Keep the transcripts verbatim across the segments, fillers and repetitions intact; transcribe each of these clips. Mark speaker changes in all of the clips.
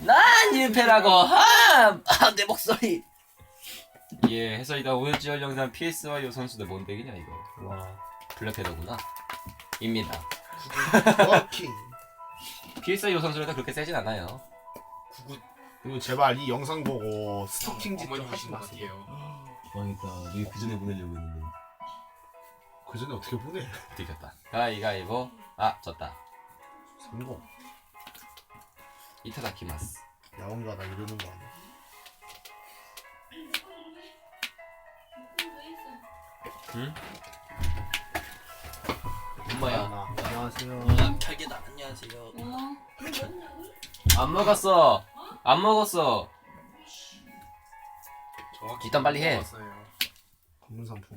Speaker 1: 난 일패라고. 아, 아, 내 목소리. 예, 해설이다. 오늘 찍을 영상 피에스와이 선수들 뭔 덱이냐 이거.
Speaker 2: 와.
Speaker 1: 블랙헤더구나. 입니다.
Speaker 2: 워킹.
Speaker 1: 피에스와이 선수들도 그렇게 세진 않아요.
Speaker 3: 구구
Speaker 2: 그리고 제발 이 영상 보고 스토킹 짓 좀
Speaker 3: 어머니
Speaker 2: 하지
Speaker 3: 오신 것
Speaker 2: 마세요.
Speaker 3: 같아요.
Speaker 1: 망했다. 내가 그 전에 보내려고 했는데.
Speaker 2: 그 전에 어떻게 보내?
Speaker 1: 들켰다. 가위가위보. 아, 졌다.
Speaker 2: 성공.
Speaker 1: 이타다키마스.
Speaker 2: 야옹가 나 이러는 거 아니야?
Speaker 1: 응? 엄마야.
Speaker 2: 아, 안녕하세요.
Speaker 1: 음, 잘게다. 안녕하세요. 안 먹었어. 안 먹었어.
Speaker 3: 정확히
Speaker 1: 일단 빨리 해.
Speaker 3: 먹었어요.
Speaker 2: 검은 상품.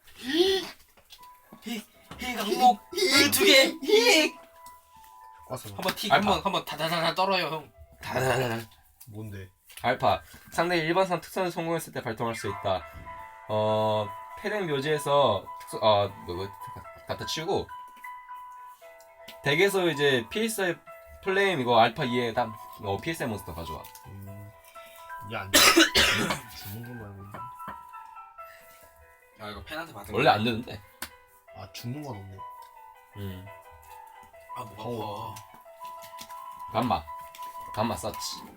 Speaker 3: 히 강목 두 개. 히.
Speaker 2: 꽈서
Speaker 3: 한번 틱
Speaker 1: 알파.
Speaker 3: 한번 한번 다다다다 떨어요 형.
Speaker 1: 다다다다.
Speaker 2: 뭔데?
Speaker 1: 알파. 상대의 일반상 특선을 성공했을 때 발동할 수 있다. 어, 패랭 묘지에서 특수, 어, 뭐, 뭐, 갖다 치우고 덱에서 이제 피에스아이 플레임 이거 알파 이에 딱 어, 피에스아이 몬스터 가져와.
Speaker 2: 음. 얘안 돼. 주는 거 말고. 있네.
Speaker 3: 야 이거 팬한테 받은
Speaker 1: 원래 안 되는데.
Speaker 2: 아 죽는 건 없네.
Speaker 1: 음.
Speaker 3: 아목
Speaker 2: 어.
Speaker 3: 아파.
Speaker 1: 감마. 감마 썼지.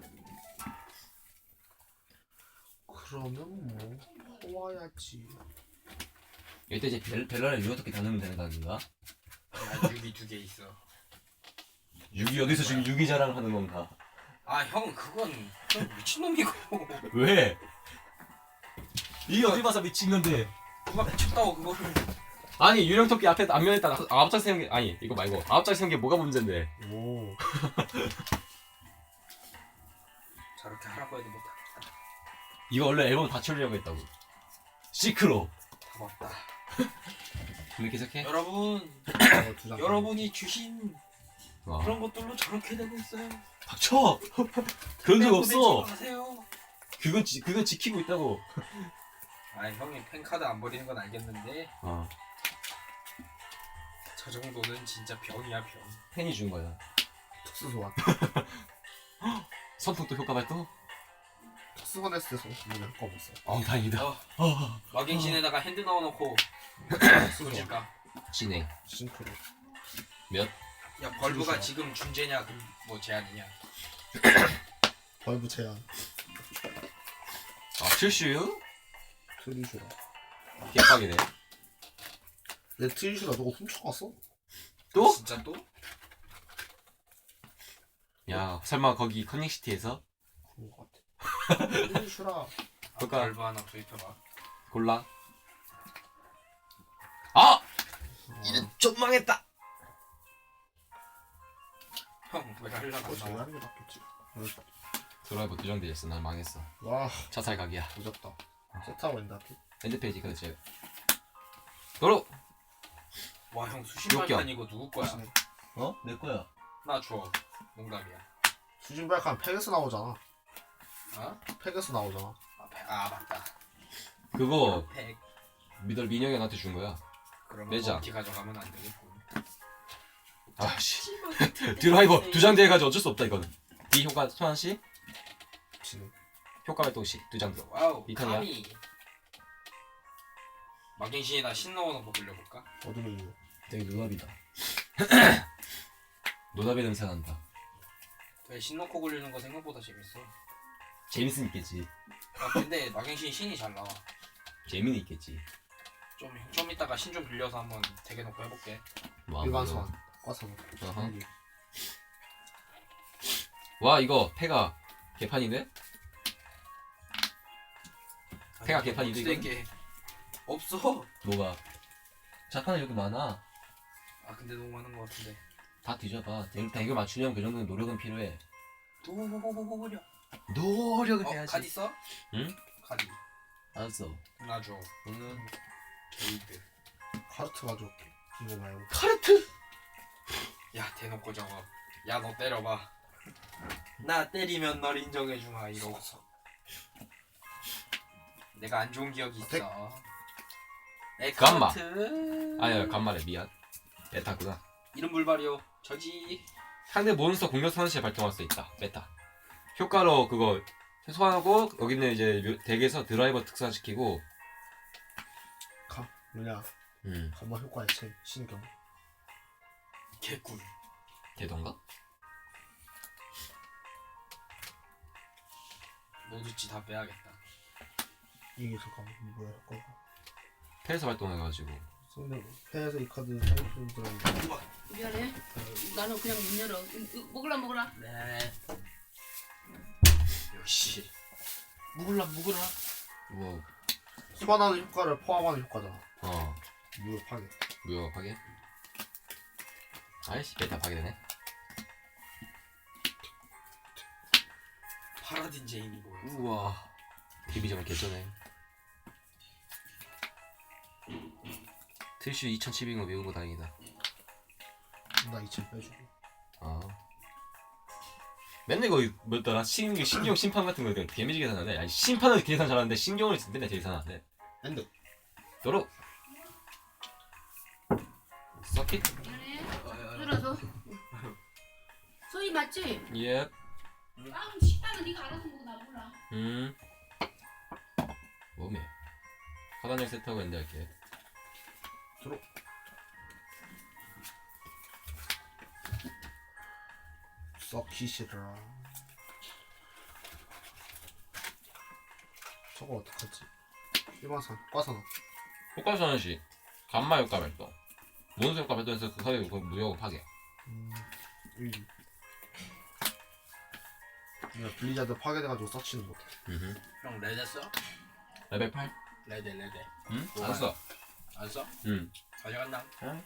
Speaker 2: 그러면 뭐 퍼와야지.
Speaker 1: 이때 이제 벨, 벨러를 유 어떻게 다누면 되는 거 아닌가?
Speaker 3: 야 유비 두 개 있어.
Speaker 1: 육이 어디서 지금 육이 자랑하는 건가?
Speaker 3: 아 형 그건 형 미친놈이고.
Speaker 1: 왜? 이게 어디 봐서 미친 건데?
Speaker 3: 누가 미쳤다고 그거를.
Speaker 1: 아니 유령 토끼 앞에 앞면에다 아홉 장 세운 게 아니 이거 말고 아홉 장 세운 게 뭐가 문제인데?
Speaker 2: 오.
Speaker 3: 저렇게 하라고 해도 못하겠다.
Speaker 1: 이거 원래 앨범 다 치우려고 했다고. 시크로.
Speaker 3: 다 먹다.
Speaker 1: 근데 계속해?
Speaker 3: 여러분
Speaker 2: 어, 두 장.
Speaker 3: 여러분이 주신
Speaker 1: 와.
Speaker 3: 그런 것들로 저렇게 되고 있어요.
Speaker 1: 닥쳐. 그런 적 없어.
Speaker 3: 하세요.
Speaker 1: 그건 지, 그건 지키고 있다고.
Speaker 3: 아 형이 팬카드 안 버리는 건 알겠는데
Speaker 1: 어.
Speaker 3: 저 정도는 진짜 병이야 병.
Speaker 1: 팬이 준 거야.
Speaker 2: 특수 소환.
Speaker 1: 선풍 또 효과 발동?
Speaker 2: 특수 소환 했을 때 성공을 할거 없어.
Speaker 1: 어 다행이다.
Speaker 3: 어.
Speaker 1: 어.
Speaker 3: 마갱신에다가 핸드 넣어놓고
Speaker 2: 특수 소환.
Speaker 3: 보실까?
Speaker 1: 진행.
Speaker 2: 싱크로.
Speaker 1: 몇?
Speaker 3: 야 벌브가
Speaker 2: 진짜.
Speaker 3: 지금 준재냐 그 뭐 제한이냐?
Speaker 2: 벌브 제한.
Speaker 1: 아 슈슈?
Speaker 2: 트리슈라.
Speaker 1: 개빡이네.
Speaker 2: 내 트리슈라 너가 훔쳐갔어?
Speaker 1: 또?
Speaker 3: 진짜 또?
Speaker 1: 야 설마 거기 커닝시티에서
Speaker 2: 그런 거 같아. 트리슈라.
Speaker 3: 아,
Speaker 1: 그러니까-
Speaker 3: 벌브 하나 구입해봐.
Speaker 1: 골라. 아! 이제 좀 망했다.
Speaker 3: 형왜 하려고
Speaker 2: 그거
Speaker 3: 안
Speaker 2: 잘
Speaker 3: 나와?
Speaker 2: 하는 게 낫겠지.
Speaker 1: 드라이브 두 장 되졌어. 난 망했어.
Speaker 2: 와,
Speaker 1: 차살 각이야.
Speaker 2: 늦었다. 세트하고 있는데 앞에.
Speaker 1: 엔드 페이지 그렇지. 도로.
Speaker 3: 와형 수신발판 이거 누구 거야?
Speaker 1: 어? 내 거야.
Speaker 3: 나 줘. 농담이야.
Speaker 2: 수진발칸 팩에서 나오잖아.
Speaker 3: 어?
Speaker 2: 팩에서 나오잖아.
Speaker 3: 아, 팩- 아 맞다.
Speaker 1: 그거
Speaker 3: 팩.
Speaker 1: 미들 민영이 나한테 준 거야.
Speaker 3: 그러면
Speaker 1: 내자.
Speaker 3: 버티 가져가면 안 되겠군.
Speaker 1: 아씨. 드라이버 두 장 대가지고 어쩔 수 없다 이거는. D 효과 소환 시
Speaker 2: 지금.
Speaker 1: 효과 발동 시 두 장.
Speaker 3: 와우.
Speaker 1: 이 턴이야?
Speaker 3: 카미. 마갱신에다 신 넣어놓고 돌려볼까?
Speaker 2: 어둠의 이유.
Speaker 1: 되게 노답이다. 노답의 냄새 난다.
Speaker 3: 왜 신 넣고 굴리는 거 생각보다 재밌어.
Speaker 1: 재밌은 있겠지.
Speaker 3: 아 근데 마갱신 신이 잘 나와.
Speaker 1: 재미는 있겠지.
Speaker 3: 좀, 좀 이따가 신 좀 빌려서 한번 대게 놓고 해볼게.
Speaker 1: 뭐
Speaker 2: 일반
Speaker 1: 아무래도.
Speaker 2: 소환. 꽈서.
Speaker 1: 어허. 와 이거 패가 개판인데? 폐가 개판이지, 이거는?
Speaker 3: 게 없어.
Speaker 1: 뭐가? 자판이 이렇게 많아.
Speaker 3: 아 근데 너무 많은 것 같은데.
Speaker 1: 다 뒤져봐. 대- 대결 맞추려면 그 정도는 노력은 필요해.
Speaker 3: 도호호호호호호려.
Speaker 1: 노력을
Speaker 3: 어 카드 있어?
Speaker 1: 응?
Speaker 3: 카드.
Speaker 1: 알았어.
Speaker 3: 나 줘.
Speaker 1: 응.
Speaker 3: 게이드.
Speaker 2: 카르트 가져올게. 이거 말고.
Speaker 1: 카르트?
Speaker 3: 야 대놓고 저거. 야 너 때려봐. 나 때리면 널 인정해주마 이러고. 내가 안 좋은 기억이 있어.
Speaker 2: 백.
Speaker 1: 감마.
Speaker 3: 에카트.
Speaker 1: 아니야 간말에 미안. 메타구나.
Speaker 3: 이름 불발이요. 저지.
Speaker 1: 상대 몬스터 공격 선시에 발동할 수 있다. 메타. 효과로 그거 소환하고 여기는 이제 묘- 덱에서 드라이버 특사시키고.
Speaker 2: 가 뭐냐
Speaker 1: 음
Speaker 2: 감마 효과 액체 신경.
Speaker 3: 개꿀.
Speaker 1: 되던가?
Speaker 3: 노드치 다 빼야겠다.
Speaker 2: 이게 잠깐만 뭐야 효과가.
Speaker 1: 패에서 발동해가지고.
Speaker 2: 상대 패에서 이 카드 사용품 들어있는.
Speaker 4: 미안해. 나는 그냥 문 열어. 음, 음, 먹으라 먹으라.
Speaker 3: 네. 역시. 묵을라 묵을라.
Speaker 1: 뭐
Speaker 2: 소환하는 효과를 포함하는 효과잖아.
Speaker 1: 어.
Speaker 2: 무효 파괴.
Speaker 1: 무효 파괴? 아이씨 일단 파괴되네.
Speaker 3: 파라딘 제인이 뭐야?
Speaker 1: 우와 데뷔점을 개쩌네. 트위슈 이천십인 거 외운 거 다행이다.
Speaker 2: 나 이천 빼주고.
Speaker 1: 아 맨날 이거 뭐였더라? 신, 신경 심판 같은 거 데미지 계산하네. 아니 심판은 계산 잘하는데 신경을 맨날 계산하네.
Speaker 2: 엔드.
Speaker 1: 도로 서킷?
Speaker 4: 미안해. 들어서. 소희 맞지?
Speaker 1: 예.
Speaker 4: 빵 식빵은 네가 알아서 먹어 나 몰라.
Speaker 1: 음 몸에 화단역 세트하고 엔드할게.
Speaker 2: 들어. 서킷이라. 저거 어떡하지? 일반산 과산화.
Speaker 1: 효과 선언시 감마 효과 발동. 모든 효과 발동해서 그 사이에 무효 파괴.
Speaker 2: 음, 일. 내가 블리자드 파괴돼가지고 서치는 못해.
Speaker 1: 음흠.
Speaker 3: 형 레드 써?
Speaker 1: 레벨 팔?
Speaker 3: 레드 레드.
Speaker 1: 응?
Speaker 3: 뭐야?
Speaker 1: 알았어.
Speaker 3: 안 써?
Speaker 1: 응.
Speaker 3: 가져간다.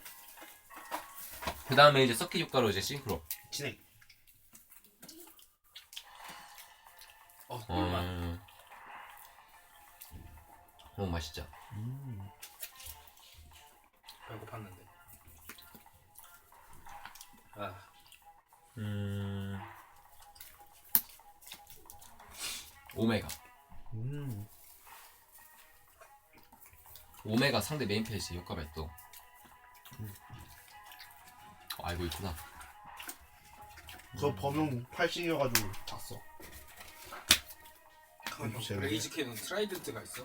Speaker 1: 그 다음에 이제 서킷 효과로 이제 싱크로.
Speaker 2: 진행.
Speaker 3: 어 꿀맛.
Speaker 1: 음. 너무 맛있죠.
Speaker 2: 음.
Speaker 3: 배고팠는데. 아
Speaker 1: 음. 오메가.
Speaker 2: 음.
Speaker 1: 오메가 상대 메인 페이지 효과 발동.
Speaker 2: 음.
Speaker 1: 어, 알고 있구나.
Speaker 2: 저 범용 팔십이어가지고 다 써.
Speaker 3: 그럼 형
Speaker 2: 제일
Speaker 3: 블레이즈 캐논 트라이던트가 있어?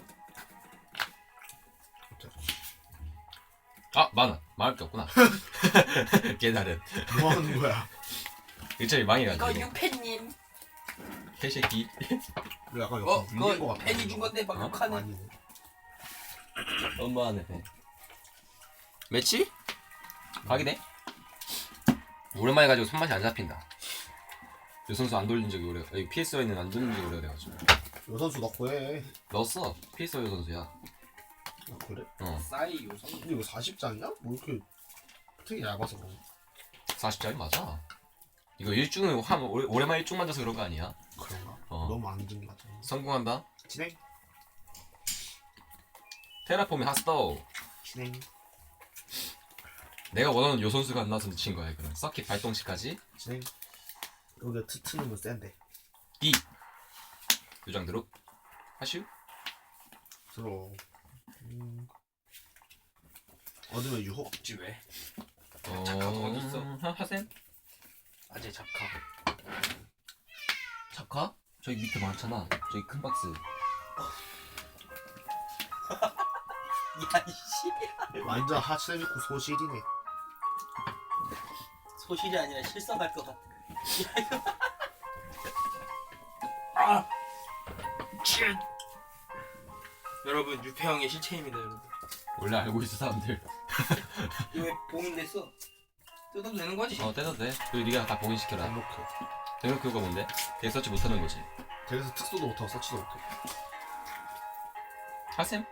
Speaker 1: 아 많아. 말할 게 없구나. 깨달은.
Speaker 2: 뭐 하는 거야?
Speaker 1: 일차이 망해가지고.
Speaker 3: 유팬님.
Speaker 1: 개새끼.
Speaker 2: 약간
Speaker 3: 어
Speaker 2: 약간 밀린 거
Speaker 3: 그거
Speaker 2: 같아.
Speaker 3: 팬이 준 건데 막
Speaker 1: 어?
Speaker 3: 욕하네.
Speaker 2: 아니네.
Speaker 1: 엄마네. 매치? 가기네. 오랜만에 가지고 손맛이 안 잡힌다. 요 선수 안 돌린 적이 오래. 아니 피에스오에는 안 돌린 적이 오래돼가지고.
Speaker 2: 요 선수 넣고 해.
Speaker 1: 넣었어. 피에스오 선수야.
Speaker 2: 아, 그래?
Speaker 1: 어.
Speaker 3: 싸이 요선.
Speaker 2: 근데 이거 사십 장이야? 뭐 이렇게 되게 얇아서 그런
Speaker 1: 사십 짜리 맞아. 이거 일중은 한 오래, 오랜만에 일중 만져서 그런 거 아니야?
Speaker 2: 그런가?
Speaker 1: 어.
Speaker 2: 너무 안 든 거 같아.
Speaker 1: 성공한다.
Speaker 2: 진행.
Speaker 1: 테라폼이 핫스토.
Speaker 2: 진행.
Speaker 1: 내가 원하는 요 선수가 안 나와서 미친 거야. 그럼 서킷 발동 시까지
Speaker 2: 진행. 여기 트트는 센데.
Speaker 1: D. 요장 드롭. 하슈.
Speaker 2: 들어. 음. 어둠의 유혹.
Speaker 3: 없지 왜?
Speaker 1: 어...
Speaker 3: 작가가 어디 있어?
Speaker 1: 하, 하셈?
Speaker 3: 아재 잡카.
Speaker 1: 작가? 저기 밑에 많잖아. 저기 큰 박스.
Speaker 3: 야 이씨.
Speaker 2: 완전 하츠미쿠 소실이네.
Speaker 3: 소실이 아니라 실성할 것 같아. 야 이거. 아. 쉿. 여러분 유패 형의 실체입니다 여러분.
Speaker 1: 원래 알고 있어 사람들.
Speaker 3: 이거 왜 봉인됐어? 뜯어도 되는 거지?
Speaker 1: 어 떼도 돼. 그리고 네가 다 봉인시켜라.
Speaker 2: 대놓고.
Speaker 1: 대놓고 그거 뭔데? 덱 서치 못하는 거지.
Speaker 2: 그래서 특수도 못하고 서치도 못해.
Speaker 1: 하셈?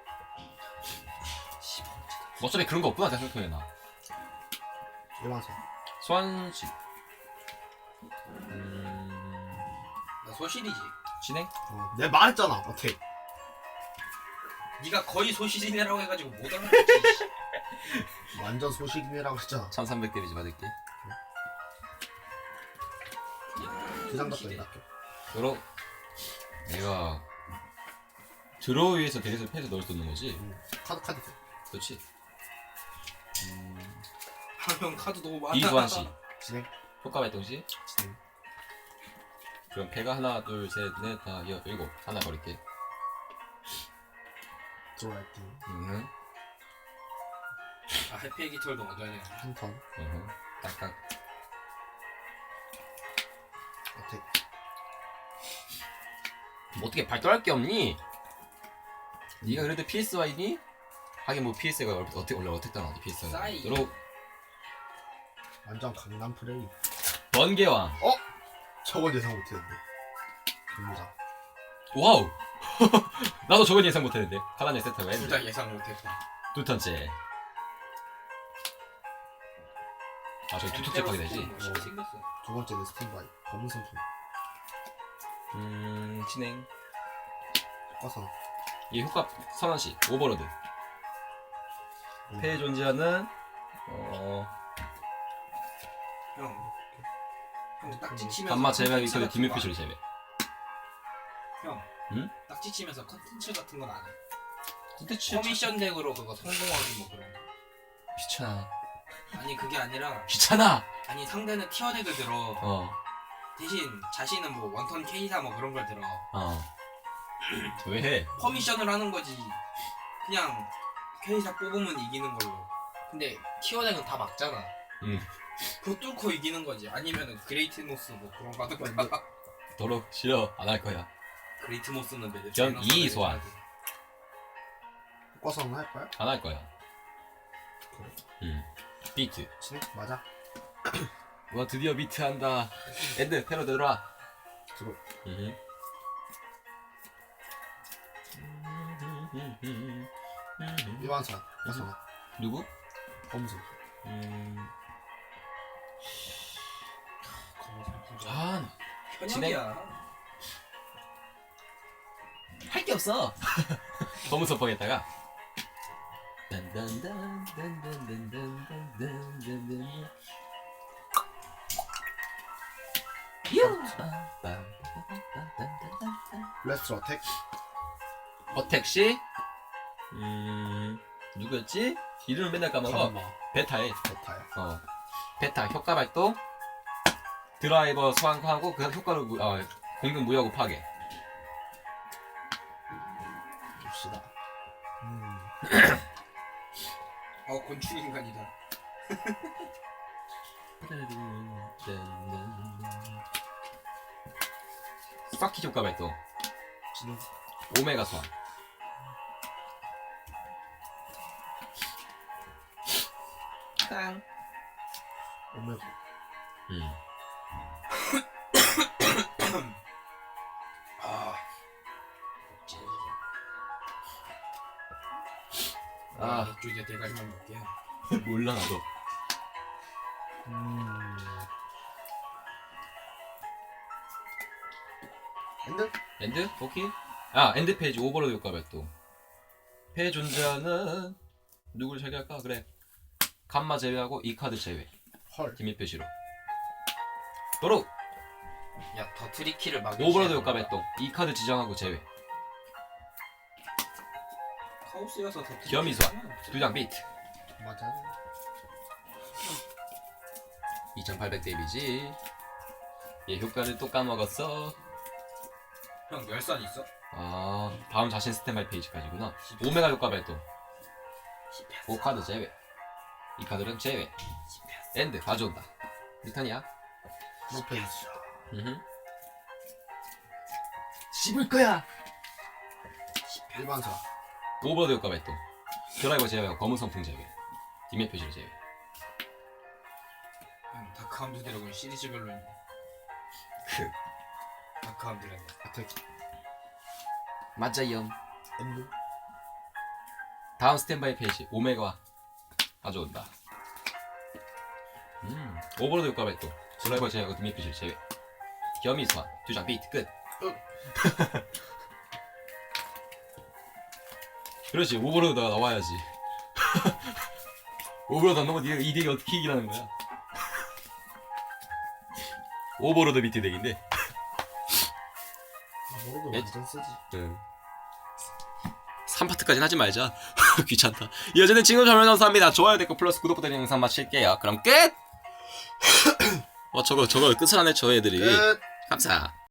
Speaker 1: 어차피 그런 거 없구나 생각해나.
Speaker 2: 일반선.
Speaker 1: 소환식. 음...
Speaker 3: 나 소실이지.
Speaker 1: 진행?
Speaker 2: 어, 내가 말했잖아. 어때?
Speaker 3: 네가 거의 소실이네라고 해가지고 못 알아듣지.
Speaker 2: 완전 소실이네라고 했잖아.
Speaker 1: 천삼백 데미지 받을게.
Speaker 2: 그 장갑까지 낫게.
Speaker 1: 그럼 내가 드로우 위에서 덱에서 패에서 넣을 수 있는 거지?
Speaker 2: 응. 카드 카드.
Speaker 1: 그렇지. 음...
Speaker 3: 형 카드 너무 많아.
Speaker 1: 이소환 씨
Speaker 2: 진행.
Speaker 1: 효과 발동 시
Speaker 2: 진행.
Speaker 1: 그럼 배가 하나 둘셋넷다 여 일곱 하나 버릴게.
Speaker 2: 들어갈게.
Speaker 1: 음.
Speaker 3: 아 해피 깃털도 먼저 해야 돼.
Speaker 2: 한 턴.
Speaker 1: 음. 딱딱.
Speaker 2: 어택.
Speaker 1: 뭐 어떻게 발달할 게 없니? 네가 그래도 피에스와이니? 하긴 뭐 피에스가 어떻게 원래 어택 당하지 피에스와.
Speaker 3: 싸이.
Speaker 1: 그리고
Speaker 2: 완전 강남 플레이.
Speaker 1: 번개왕.
Speaker 2: 저건 예상 못했는데. 좋습니다.
Speaker 1: 와우. 나도 저건 예상 못했는데. 카라네 세트가
Speaker 3: 둘
Speaker 1: 했는데.
Speaker 3: 다 예상 못했다.
Speaker 1: 두 턴째. 아 저기 두 턴째 파게 되지.
Speaker 3: 뭐 쉽게 생겼어.
Speaker 2: 두 번째 내 스탠바이. 검은 선수.
Speaker 1: 음 진행.
Speaker 2: 꺼서.
Speaker 1: 이 효과 선언시 오버로드.
Speaker 2: 음.
Speaker 1: 폐에 존재하는 어
Speaker 3: 형. 형 딱지 치면서
Speaker 1: 감마 제외하기
Speaker 3: 컨텐츠
Speaker 1: 전에
Speaker 3: 같은
Speaker 1: 디뮤
Speaker 3: 거
Speaker 1: 피쉬를 제외.
Speaker 3: 형.
Speaker 1: 응?
Speaker 3: 딱지 치면서 컨텐츠 같은 건 안 해.
Speaker 1: 컨텐츠
Speaker 3: 커미션 덱으로 그거 성공하기 뭐 그런 거.
Speaker 1: 귀찮아.
Speaker 3: 아니 그게 아니라
Speaker 1: 귀찮아.
Speaker 3: 아니 상대는 티어 덱을 들어.
Speaker 1: 어
Speaker 3: 대신 자신은 뭐 원턴 K사 뭐 그런 걸 들어.
Speaker 1: 어. 왜 해?
Speaker 3: 퍼미션을 하는 거지. 그냥 K사 뽑으면 이기는 걸로. 근데 티어 덱은 다 막잖아.
Speaker 1: 응.
Speaker 3: 그거 뚫고 이기는 거지. 아니면은 그레이트 모스 뭐 그런 거 하는 거야.
Speaker 1: 도로 싫어 안 할 거야.
Speaker 3: 그레이트 모스는 매드
Speaker 1: 겸 이 소환.
Speaker 2: 꺼서는 할 거야?
Speaker 1: 안 할 거야.
Speaker 2: 그래.
Speaker 1: 응. 비트.
Speaker 2: 진행? 맞아.
Speaker 1: 와 드디어 비트 한다. 엔드 패로 들어와.
Speaker 2: 들어.
Speaker 1: 응.
Speaker 2: 일반선. 꺼서.
Speaker 1: 누구?
Speaker 2: 검은 선수.
Speaker 1: 음.
Speaker 3: 아,
Speaker 1: 전.
Speaker 3: 현역이야.
Speaker 1: 할 게 없어. 너무 섭하겠다가. 딴딴딴딴딴딴딴딴딴딴딴. 유.
Speaker 2: 블래스트 어택.
Speaker 1: 어택 씨. 음. 누구였지? 이름을 맨날 까먹어.
Speaker 2: 감마.
Speaker 1: 베타에.
Speaker 2: 베타야.
Speaker 1: 어. 베타 효과 발동. 드라이버 소환하고 그 효과를 무, 어, 공격 무효하고 파괴.
Speaker 2: 봅시다. 음.
Speaker 3: 어 곤충 인간이다.
Speaker 1: 스파키 효과 발동.
Speaker 2: 진행.
Speaker 1: 오메가 소환.
Speaker 3: 땅.
Speaker 2: 오메가.
Speaker 1: 음.
Speaker 3: 아.
Speaker 1: 아.
Speaker 3: 아, 맥주 이제 대가리만 먹게요.
Speaker 1: 몰라 나도.
Speaker 2: 음. 엔드?
Speaker 1: 엔드? 오케이. 아 엔드 페이지 오버로드 효과 발동. 패 존재하는 누구를 제외할까? 그래. 감마 제외하고 이 카드 제외.
Speaker 2: 헐.
Speaker 1: 기밀 표시로. 도로
Speaker 3: 야, 더 트리키를 막.
Speaker 1: 오버로드 효과 발동. 이 카드 지정하고 제외.
Speaker 3: 카오스여서 더.
Speaker 1: 겸이 소환. 두 장 비트.
Speaker 2: 맞아.
Speaker 1: 이천팔백 데미지. 얘 효과를 또 까먹었어.
Speaker 3: 형 열선 있어?
Speaker 1: 아 다음 자신 스탠바이 페이지까지구나. 오메가 효과 발동. 오 카드 제외. 이 카드는 제외. 엔드 가져온다. 리턴이야.
Speaker 2: 노 페이지.
Speaker 1: 음흠. 씹을 거야.
Speaker 2: 일반선.
Speaker 1: 오버드 효과 발동. 드라이버 제외하고 검은 선풍 제외. 디메 표시를 제외.
Speaker 3: 형 다크함드 드래곤 시리즈별로 있네.
Speaker 1: 크.
Speaker 3: 다크함드 드래곤.
Speaker 2: 어택.
Speaker 1: 맞아요.
Speaker 2: 엔드.
Speaker 1: 다음 스탠바이 페이지 오메가 가져온다. 음 오버로드 효과 발동. 드라이버 제외하고 디메 표시를 제외. 겸이 소환. 두 장 비트 끝. 그렇지 오버로드가 나와야지. 오버로드 안 나오면 니가 이 덱이 어떻게 이기라는 거야. 오버로드 비트 덱인데.
Speaker 2: 모르고
Speaker 1: 에?
Speaker 2: 완전 쓰지.
Speaker 1: 응. 삼 파트까지는 하지 말자. 귀찮다. 이어지는 지금 설명 감사합니다. 좋아요, 댓글 플러스 구독 부탁드리는 영상 마칠게요. 그럼 끝! 어 저거 저거 끝을 안 해 저 애들이.
Speaker 2: 끝.
Speaker 1: 감사.